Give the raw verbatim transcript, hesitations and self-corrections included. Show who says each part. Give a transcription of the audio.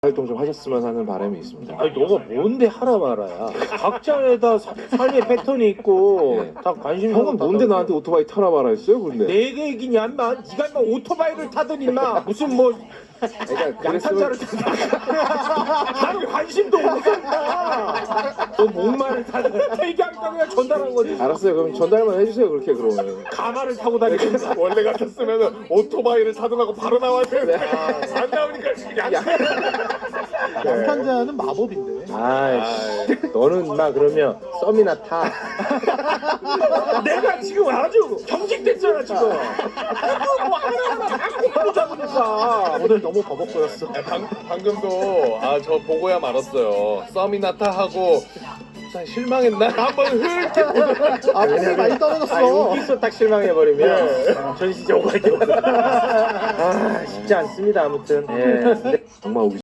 Speaker 1: 활동 좀 하셨으면 하는 바람이 있습니다.
Speaker 2: 아니 너가 뭔데 하라 말아야. 각자에다 사- 삶의 패턴이 있고
Speaker 1: 네.
Speaker 2: 다 관심이
Speaker 1: 형은 뭔데 나한테 오토바이 타라 말아 했어요? 근데
Speaker 2: 내가 얘기냐 인마. 네가 인마 오토바이를 타든 인마 무슨 뭐
Speaker 1: 그러니까
Speaker 2: 양탄자를 타든 나는 관심도 없어 인마. 너 목마를 타든 얘기하니까 그냥 전달한 거지.
Speaker 1: 알았어요. 그럼 전달만 해주세요. 그렇게 그러면.
Speaker 2: 가마를 타고 다니는
Speaker 3: 원래 같았으면 오토바이를 타동하고 바로 나와야 되는데 안 나오니까 양
Speaker 4: 양탄자는 마법인데.
Speaker 2: 아이씨 너는 인마 그러면 썸이나 타. 내가 지금 아주 경직됐잖아 지금. 뭐 하나하나 다 고 잡으니까.
Speaker 4: 오늘 너무 버벅거렸어.
Speaker 3: 방, 방금도 아 저 보고야 말았어요. 썸이나 타 하고 참 실망했나? 한번 흐릿게
Speaker 4: 아, 폼이 많이
Speaker 2: 아
Speaker 4: 떨어졌어.
Speaker 2: 여기서 딱 실망해버리면 전시제 오갈 때. 아 쉽지 않습니다 아무튼. 예.
Speaker 1: 정말 우리